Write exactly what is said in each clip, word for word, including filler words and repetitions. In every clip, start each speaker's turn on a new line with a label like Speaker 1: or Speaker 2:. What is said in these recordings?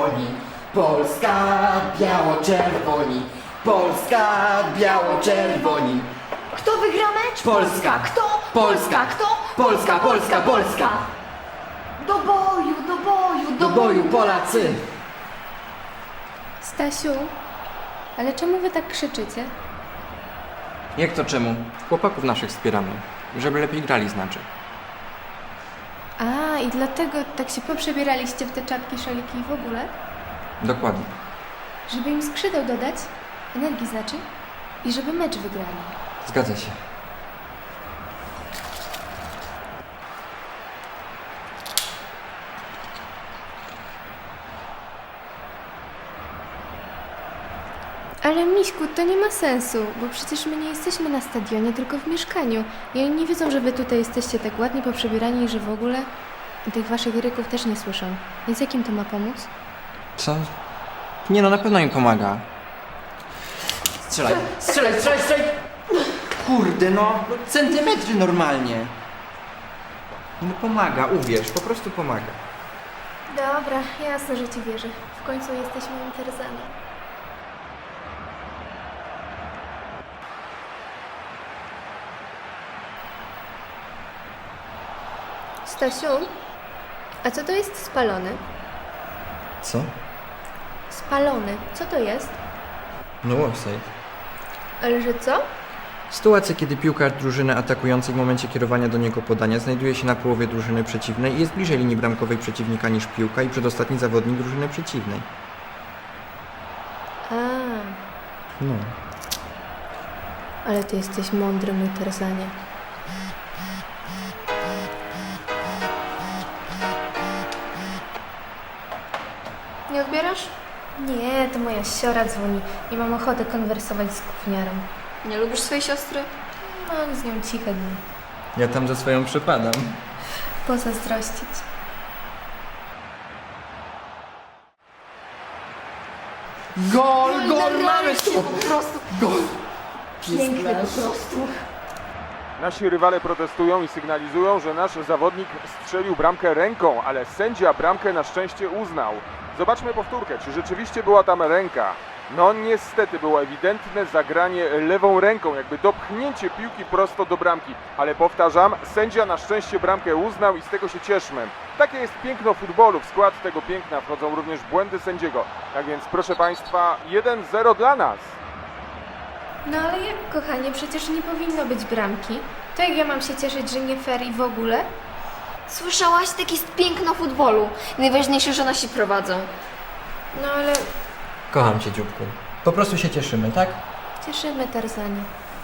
Speaker 1: biało-czerwoni. Polska, biało-czerwoni. Polska, biało-czerwoni.
Speaker 2: Kto wygra mecz?
Speaker 1: Polska.
Speaker 2: Kto?
Speaker 1: Polska.
Speaker 2: Kto?
Speaker 1: Polska, Polska, Polska.
Speaker 2: Do boju, do boju,
Speaker 1: Do boju, Polacy.
Speaker 3: Stasiu, ale czemu wy tak krzyczycie?
Speaker 4: Jak to czemu? Chłopaków naszych wspieramy. Żeby lepiej grali znaczy.
Speaker 3: A, i dlatego tak się poprzebieraliście w te czapki, szaliki i w ogóle?
Speaker 4: Dokładnie.
Speaker 3: Żeby im skrzydeł dodać? Energii znaczy? I żeby mecz wygrali.
Speaker 4: Zgadza się.
Speaker 3: Ale Miśku, to nie ma sensu, bo przecież my nie jesteśmy na stadionie, tylko w mieszkaniu. I oni nie wiedzą, że wy tutaj jesteście tak ładnie poprzebierani i że w ogóle i tych waszych ryków też nie słyszą. Więc jakim to ma pomóc?
Speaker 4: Co? Nie no, na pewno im pomaga. Strzelaj. Strzelaj, strzelaj, strzelaj! Kurde no, no centymetry normalnie. No pomaga, uwierz, po prostu pomaga.
Speaker 3: Dobra, jasne, że ci wierzę. W końcu jesteś moim Tarzanem. Stasiu, a co to jest spalony?
Speaker 4: Co?
Speaker 3: Spalony, co to jest?
Speaker 4: No offside.
Speaker 3: Ale że co?
Speaker 4: Sytuacja, kiedy piłkarz drużyny atakującej w momencie kierowania do niego podania znajduje się na połowie drużyny przeciwnej i jest bliżej linii bramkowej przeciwnika niż piłka i przedostatni zawodnik drużyny przeciwnej.
Speaker 3: A,
Speaker 4: No.
Speaker 3: ale ty jesteś mądry, mój Tarzanie. Nie odbierasz? Nie, to moja siora dzwoni. Nie mam ochoty konwersować z gówniarą.
Speaker 2: Nie lubisz swojej siostry?
Speaker 3: Mam z nią ciche dni.
Speaker 4: Ja tam za swoją przepadam.
Speaker 3: Pozazdrościć.
Speaker 1: Gol, gol, mamy
Speaker 2: to
Speaker 1: tu.
Speaker 2: po prostu
Speaker 1: Gol.
Speaker 2: piękne po prostu.
Speaker 5: Nasi rywale protestują i sygnalizują, że nasz zawodnik strzelił bramkę ręką, ale sędzia bramkę na szczęście uznał. Zobaczmy powtórkę, czy rzeczywiście była tam ręka. No niestety było ewidentne zagranie lewą ręką, jakby dopchnięcie piłki prosto do bramki. Ale powtarzam, sędzia na szczęście bramkę uznał i z tego się cieszmy. Takie jest piękno futbolu, w skład tego piękna wchodzą również błędy sędziego. Tak więc proszę Państwa, jeden zero dla nas.
Speaker 3: No ale jak, kochanie, przecież nie powinno być bramki. To jak ja mam się cieszyć, że nie fair i w ogóle?
Speaker 2: Słyszałaś? Tak jest piękno futbolu. Najważniejsze, że nasi prowadzą.
Speaker 3: No ale
Speaker 4: Kocham cię, dzióbku. Po prostu się cieszymy, tak?
Speaker 3: cieszymy, Tarzanie.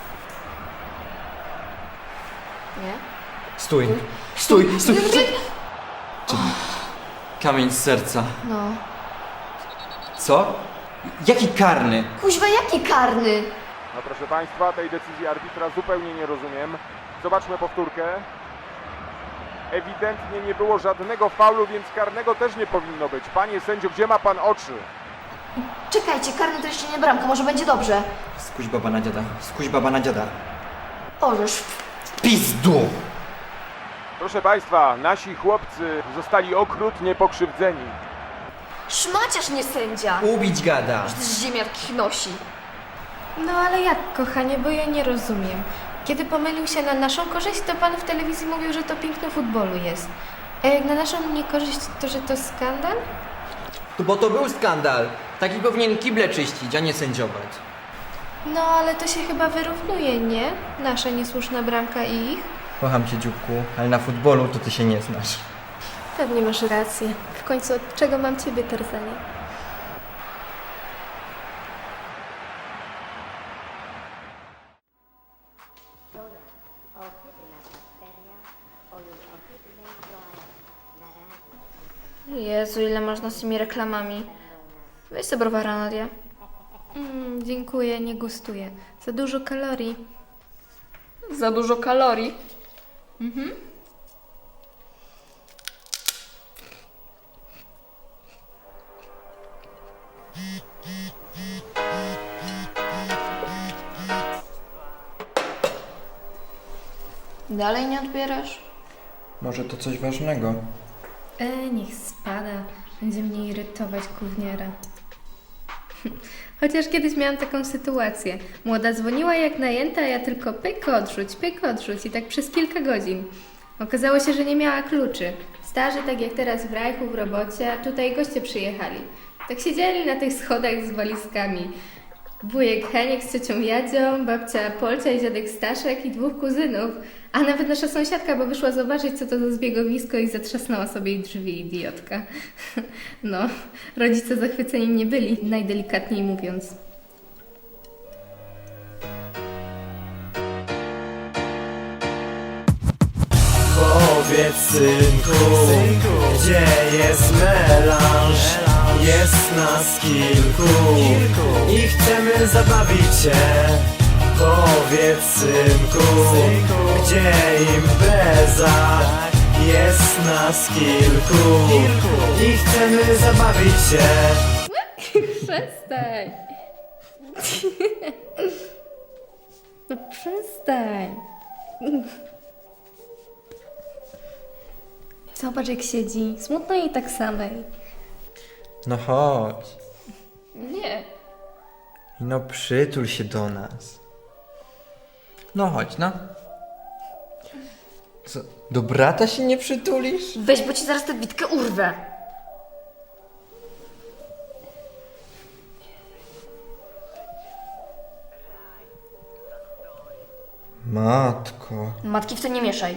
Speaker 2: Nie?
Speaker 4: Stój. Stój, stój, stój. Kamień z serca.
Speaker 2: No.
Speaker 4: Co? Jaki karny?
Speaker 2: Kuźwa, jaki karny?
Speaker 5: No proszę Państwa, tej decyzji arbitra zupełnie nie rozumiem. Zobaczmy powtórkę. Ewidentnie nie było żadnego faulu, więc karnego też nie powinno być. Panie sędzio, gdzie ma Pan oczy?
Speaker 2: Czekajcie, karny to jeszcze nie bramka, może będzie dobrze.
Speaker 4: Skuś baba na dziada. Skuś baba na dziada.
Speaker 2: Orzesz.
Speaker 4: Pizdu!
Speaker 5: Proszę Państwa, nasi chłopcy zostali okrutnie pokrzywdzeni.
Speaker 2: Szmaciarz, nie sędzia.
Speaker 4: Ubić gada.
Speaker 2: Z ziemiarki nosi.
Speaker 3: No ale jak, kochanie, bo ja nie rozumiem. Kiedy pomylił się na naszą korzyść, to pan w telewizji mówił, że to piękno futbolu jest. A jak na naszą niekorzyść, to że to skandal?
Speaker 4: Bo to był skandal. Taki powinien kible czyścić, a nie sędziować.
Speaker 3: No ale to się chyba wyrównuje, nie? Nasza niesłuszna bramka i ich?
Speaker 4: Kocham cię, dzióbku, ale na futbolu to ty się nie znasz.
Speaker 3: Pewnie masz rację. W końcu od czego mam ciebie, Tarzanie?
Speaker 2: Jezu, ile można z tymi reklamami. Weź sobie browara, Nadia.
Speaker 3: Mm, dziękuję, nie gustuję. Za dużo kalorii.
Speaker 2: Za dużo kalorii. Dalej nie odbierasz?
Speaker 4: Może to coś ważnego?
Speaker 3: E, niech spada. Będzie mnie irytować gówniara. Chociaż kiedyś miałam taką sytuację. Młoda dzwoniła jak najęta, a ja tylko pyk odrzuć, pyk odrzuć i tak przez kilka godzin. Okazało się, że nie miała kluczy. Starzy, tak jak teraz w Rajchu w robocie, a tutaj goście przyjechali. Tak siedzieli na tych schodach z walizkami. Wujek Heniek z ciocią Jadzią, babcia Polcia i dziadek Staszek i dwóch kuzynów. A nawet nasza sąsiadka, bo wyszła zobaczyć, co to za zbiegowisko i zatrzasnęła sobie jej drzwi, idiotka. No, rodzice zachwyceni nie byli, najdelikatniej mówiąc.
Speaker 6: Powiedz synku, gdzie jest melanż? Jest nas kilku i chcemy zabawić się. Powiedz synku, gdzie impreza? Jest nas kilku i chcemy zabawić się.
Speaker 3: Przestań! No przestań! Zobacz jak siedzi, smutno jej tak samej.
Speaker 4: No chodź.
Speaker 2: Nie.
Speaker 4: No przytul się do nas. No chodź, no. Co, do brata się nie przytulisz?
Speaker 2: Weź, bo ci zaraz tę bitkę urwę.
Speaker 4: Matko.
Speaker 2: Matki w to nie mieszaj.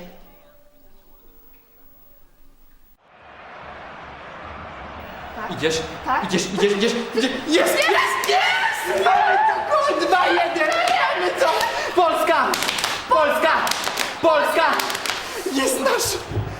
Speaker 4: Idziesz?
Speaker 2: Tak?
Speaker 4: Idziesz, idziesz, idziesz, idziesz. Jest!
Speaker 1: Jest, jest! Mamy to gol! dwa jeden! Wiemy co? Polska! Polska! Polska! Jest nasz!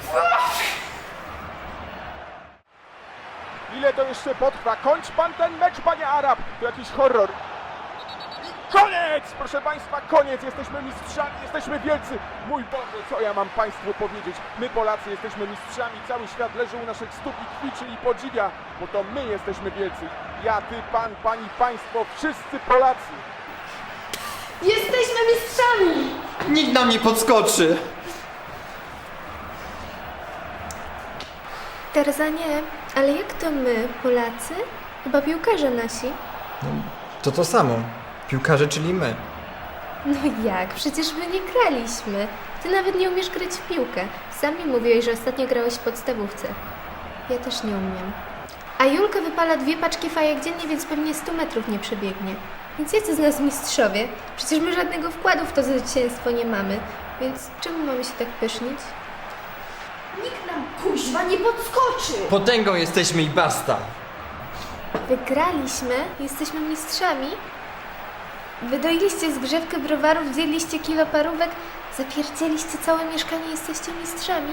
Speaker 5: Ile to jeszcze potrwa? Kończ pan ten mecz, panie Arab! To jakiś horror. I koniec! Proszę państwa, koniec! Jesteśmy mistrzami, jesteśmy wielcy! Mój Boże, co ja mam państwu powiedzieć? My Polacy jesteśmy mistrzami, cały świat leży u naszych stóp i kwiczy i podziwia, bo to my jesteśmy wielcy. Ja, ty, pan, pani, państwo, wszyscy Polacy!
Speaker 2: Jesteśmy mistrzami!
Speaker 1: Nikt nam nie podskoczy!
Speaker 3: Tarzanie, ale jak to my, Polacy? Chyba piłkarze nasi.
Speaker 4: To to samo. Piłkarze, czyli my.
Speaker 3: No jak? Przecież my nie graliśmy. Ty nawet nie umiesz grać w piłkę. Sami mówiłeś, że ostatnio grałeś w podstawówce. Ja też nie umiem. A Julka wypala dwie paczki fajek dziennie, więc pewnie stu metrów nie przebiegnie. Więc jacy z nas mistrzowie? Przecież my żadnego wkładu w to zwycięstwo nie mamy. Więc czemu mamy się tak pysznić?
Speaker 2: Nikt nam kuźwa nie podskoczy!
Speaker 4: Potęgą jesteśmy i basta.
Speaker 3: Wygraliśmy? Jesteśmy mistrzami? Wydoiliście zgrzewkę browarów, zjedliście kilo parówek, zapierdzieliście całe mieszkanie, jesteście mistrzami?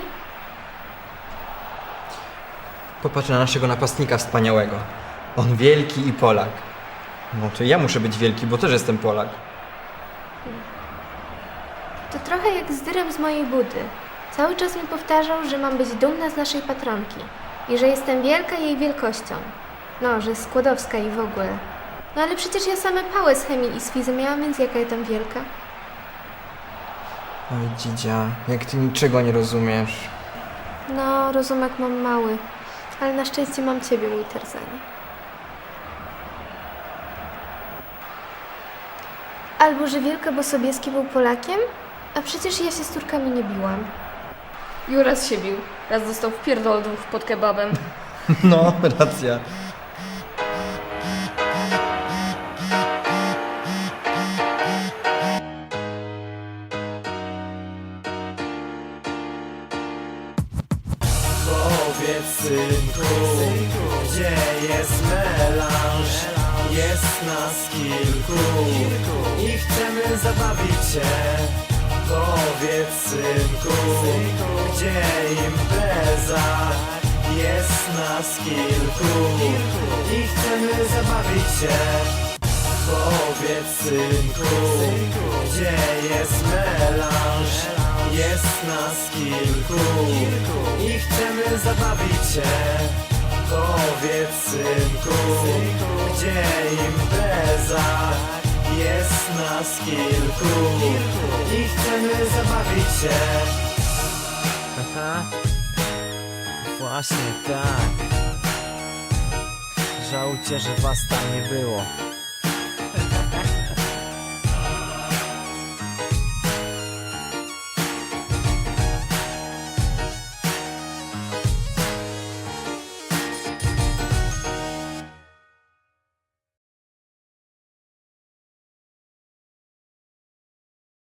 Speaker 4: Popatrz na naszego napastnika wspaniałego. On wielki i Polak. No to ja muszę być wielki, bo też jestem Polak.
Speaker 3: To trochę jak z dyrem z mojej budy. Cały czas mi powtarzał, że mam być dumna z naszej patronki i że jestem wielka jej wielkością. No, że Skłodowska i w ogóle. No ale przecież ja same pałę z chemii i z fizy miałam, więc jaka ja tam wielka?
Speaker 4: Oj, dzidzia, jak ty niczego nie rozumiesz.
Speaker 3: No, rozumek mam mały, ale na szczęście mam ciebie, mój Tarzanie. Albo, że Wielka bo Sobieski był Polakiem? A przecież ja się z Turkami nie biłam.
Speaker 2: Juras się bił. Raz dostał w pierdolców pod kebabem.
Speaker 4: No, racja.
Speaker 6: Powiedz synku, gdzie jest melanż? Jest nas kilku i chcemy zabawić się. Powiedz synku, gdzie impreza? Jest nas kilku i chcemy zabawić się. Powiedz synku, gdzie jest melanż? Jest nas kilku i chcemy zabawić się. Powiedz synku, gdzie impreza? Jest nas kilku i chcemy zabawić się. Aha, właśnie tak. żałujcie, że was tam nie było.